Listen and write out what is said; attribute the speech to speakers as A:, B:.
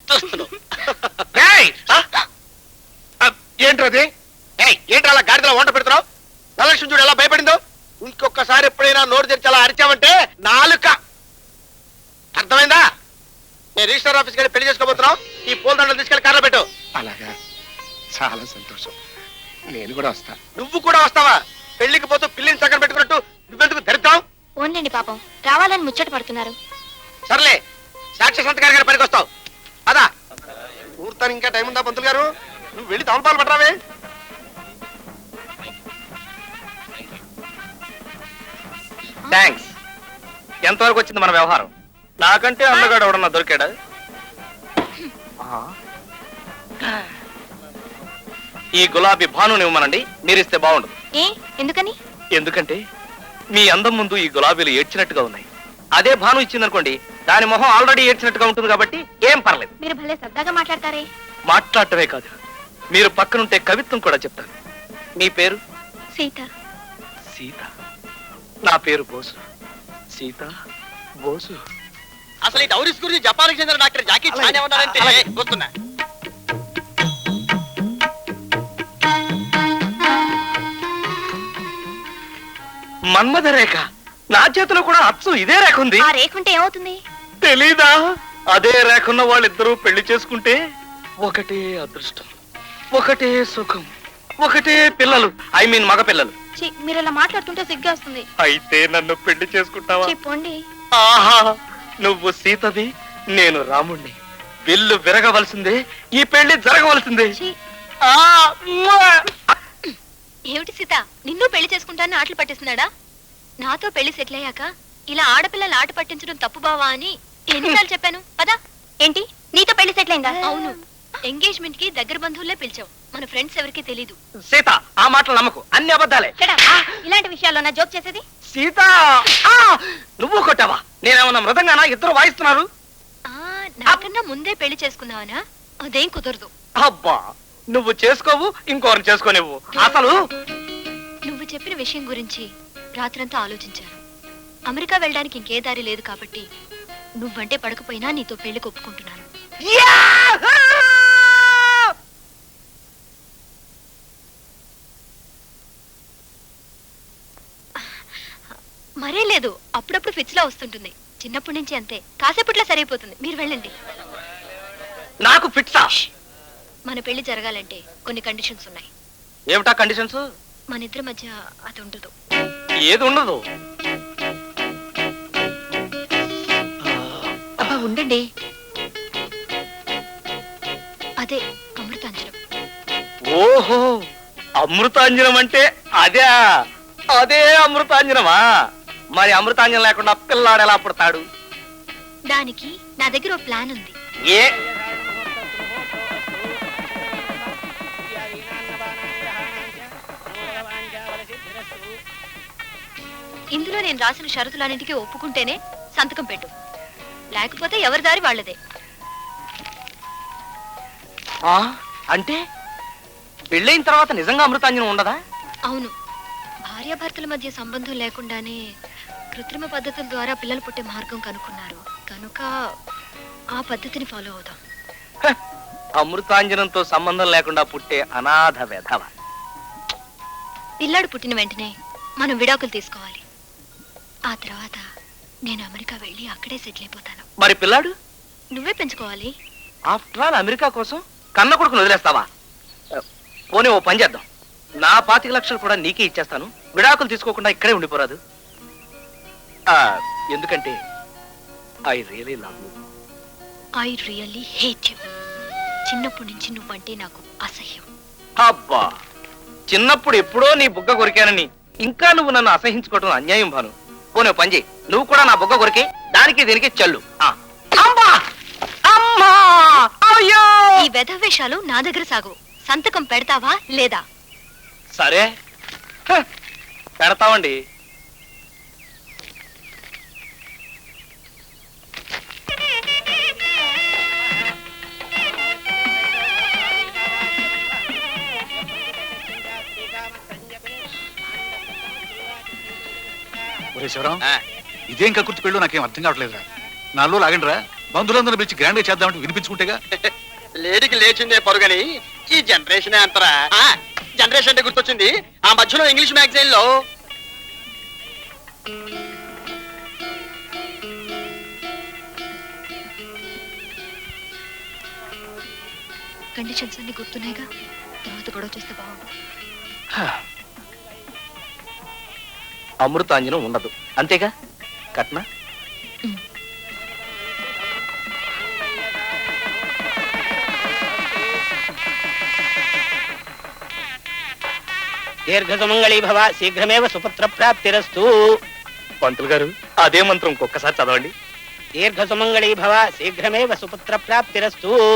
A: ముద్దొస్తున్నావు.
B: ఏంటది? ఏంటి అలా గాడిదలో వంట పెడుతున్నావు? ధనలక్ష్మి చూడు ఎలా భయపడిందో. ఇంకొకసారి ఎప్పుడైనా నోరు తెరిచి అలా అరిచావంటే నాలుక. అర్థమైందా? నేను రిజిస్టర్ ఆఫీస్కి వెళ్ళి పెళ్లి చేసుకోబోతున్నావు. ఈ పూలదండలు తీసుకెళ్లి కార్లో పెట్టు.
C: అలాగా, చాలా సంతోషం. నేను కూడా వస్తా.
B: నువ్వు కూడా వస్తావా? పెళ్లికి పోతూ పిల్లిని చక్కర పెట్టుకున్నట్టు నువ్వెందుకు తెరుతావు?
D: ఓన్లేండి పాపం, రావాలని ముచ్చట పడుతున్నారు.
B: సర్లే, సాక్షి సంతకారి గారి పనికి వస్తావు. అదా ఊర్తాను, ఇంకా టైం ఉందా పంతులు గారు? నువ్వు వెళ్ళి తమలపాలు పట్టరావే.
A: థ్యాంక్స్. ఎంతవరకు వచ్చింది మన వ్యవహారం? నాకంటే అందగాడు ఎవడన్నా దొరికాడా? ఈ గులాబీ భానుని ఇవ్వమనండి, మీరిస్తే బాగుండదు.
D: ఏ ఎందుకని?
A: ఎందుకంటే మీ అందం ముందు ఈ గులాబీలు ఏడ్చినట్టుగా ఉన్నాయి. అదే భాను ఇచ్చిందనుకోండి, దాని మొహం ఆల్రెడీ ఏడ్చినట్టుగా ఉంటుంది కాబట్టి ఏం పర్లేదు.
D: మీరు భలే సరదాగా మాట్లాడతారే.
A: మాట్లాడటమే కాదు, మీరు పక్కనుంటే కవిత్వం కూడా చెప్తారు. మీ పేరు?
D: సీత.
A: సీత. నా పేరు బోసు. సీత బోసు.
B: అసలు ఈ డౌరీస్ గురించి జపాన్కి చెందిన డాక్టర్ జాకీ చాన్ ఏమన్నారంటే వస్తున్నా.
A: మన్మథ రేఖ. నా చేతిలో కూడా అచ్చు ఇదే రేఖ ఉంది.
D: ఆ రేఖ ఉంటే ఏమవుతుంది?
A: తెలీదా? అదే రేఖన్న వాళ్ళిద్దరూ పెళ్లి చేసుకుంటే ఒకటే అదృష్టం, ఒకటే సుఖం, ఒకటే పిల్లలు. ఐ మీన్ మగ పిల్లలు.
D: మీరు ఇలా మాట్లాడుతుంటే సిగ్గా వస్తుంది.
A: అయితే నన్ను పెళ్లి చేసుకుంటావా?
D: చెప్పండి.
A: ఆహా, నువ్వు సీతవి, నేను రాముణ్ణి. విల్లు విరగవలసిందే, ఈ పెళ్లి జరగవలసిందే.
D: ఏమిటి సీత, నిన్ను పెళ్లి చేసుకుంటానని ఆటలు పట్టిస్తున్నాడా? నాతో పెళ్లి సెటిల్ అయ్యాక ఇలా ఆడపిల్లలు ఆట పట్టించడం తప్పు బావా అని ఎన్నిసార్లు చెప్పాను పదా. ఏంటి, నీతో పెళ్లి సెటిల్ అయిందా? అవును, ఎంగేజ్మెంట్ కి దగ్గర బంధువులే పిలిచావు, మన ఫ్రెండ్స్ ఎవరికి తెలీదు.
A: సీత, ఆ మాటలు నమ్మకు, అన్ని అబద్ధాలే.
D: ఇలాంటి విషయాల్లో నా జోక్ చేసేది?
A: సీత, నువ్వు కొట్టావా? నేనేమన్నా మృదంగానా? ఇద్దరు వాయిస్తున్నారు.
D: నాకన్నా ముందే పెళ్లి చేసుకున్నావనా? అదేం కుదరదు.
A: అబ్బా, నువ్వు చేసుకోవు, ఇంకోరిని చేసుకోనివ్వు. అసలు
D: నువ్వు చెప్పిన విషయం గురించి రాత్రంతా ఆలోచించాను. అమెరికా వెళ్ళడానికి ఇంకే దారి లేదు కాబట్టి నువ్వంటే పడకపోయినా నీతో పెళ్లి ఒప్పుకుంటున్నాను. మరే లేదు, అప్పుడప్పుడు ఫిట్స్ లా వస్తుంటుంది. చిన్నప్పటి నుంచి అంతే, కాసేపట్లో సరైపోతుంది. మీరు వెళ్ళండి.
A: నాకు ఫిట్సా?
D: మన పెళ్లి జరగాలంటే కొన్ని కండిషన్స్ ఉన్నాయి.
A: ఏమిటా కండిషన్స్?
D: మన ఇద్దరి మధ్య అది ఉండదు.
A: ఏది ఉండదు?
D: ఉండండి, అదే అమృతాంజనం.
A: ఓహో, అమృతాంజనం అంటే అదే. అదే అమృతాంజనమా? మరి అమృతాంజనం లేకుండా పిల్లాడు ఎలా పుడతాడు?
D: దానికి నా దగ్గర ఓ ప్లాన్ ఉంది.
A: ఏ?
D: ఇందులో నేను రాసిన షరతులన్నింటికీ ఒప్పుకుంటేనే సంతకం పెట్టు, లేకపోతే ఎవరి దారి వాళ్ళదే.
A: అంటే పెళ్ళైన తర్వాత నిజంగా అమృతాంజనం ఉండదా?
D: అవును, భార్యాభర్తల మధ్య సంబంధం లేకుండానే కృత్రిమ పద్ధతుల ద్వారా పిల్లలు పుట్టే మార్గం కనుక్కున్నారు కనుక ఆ పద్ధతిని ఫాలో అవుదాం.
A: అమృతాంజనంతో సంబంధం లేకుండా పుట్టే అనాథ వెధవ.
D: పిల్లాడు పుట్టిన వెంటనే మనం విడాకులు తీసుకోవాలి. ఆ తర్వాత నేను అమెరికా వెళ్ళి అక్కడే సెటిల్ అయిపోతాను.
A: మరి పిల్లాడు
D: నువ్వే పెంచుకోవాలి.
A: ఆఫ్టర్ ఆల్ అమెరికా కోసం కన్న కొడుకును వదిలేస్తావా? పోనీ ఓ పని చేద్దాం, నా 25 లక్షలు కూడా నీకే ఇచ్చేస్తాను. విడాకులు తీసుకోకుండా ఇక్కడే ఉండిపోరాదు? ఎందుకంటే I really love you.
D: I really hate you. చిన్నప్పటి నుంచి నువ్వంటే నాకు అసహ్యం.
A: అబ్బా, చిన్నప్పుడు ఎప్పుడో నీ బుగ్గ కొరికానని ఇంకా నువ్వు నన్ను అసహించుకోవటం అన్యాయం భాను. పోనీ పని చేయి, నువ్వు కూడా నా బుగ్గ కొరికే, దానికి దీనికి చల్లు.
D: ఈ వెధవేషాలు నా దగ్గర సాగు. సంతకం పెడతావా లేదా?
A: సరే, పెడతామండి.
C: శివరాం, ఇదేం కక్కుర్తి పెళ్ళు నాకేం అర్థం కావట్లేదురా. నాలో లాగండి రా. బంధువులందరూ పిలిచి గ్రాండ్ గా చేద్దామంటే వినిపించుకుంటేగా.
B: లేడీకి లేచిందే పరుగని ఈ జనరేషన్ అంతరా. జనరేషన్ అంటే గుర్తొచ్చింది, ఆ మధ్యలో ఇంగ్లీష్ మ్యాగజైన్ లో
D: కండిషన్స్ అన్ని గుర్తున్నాయిగా, తర్వాత గొడవ చేస్తే బాగుండు.
A: అమృతాంజనం ఉండదు అంతేగా కట్న.
E: దీర్ఘసుమంగళీ భవ, శీఘ్రమేవ సుపుత్ర ప్రాప్తిరస్తు.
A: పంతులు గారు అదే మంత్రం ఒక్కసారి చదవండి.
E: దీర్ఘసుమంగళీ భవ, శీఘ్రమేవ సుపుత్ర ప్రాప్తిరస్తు.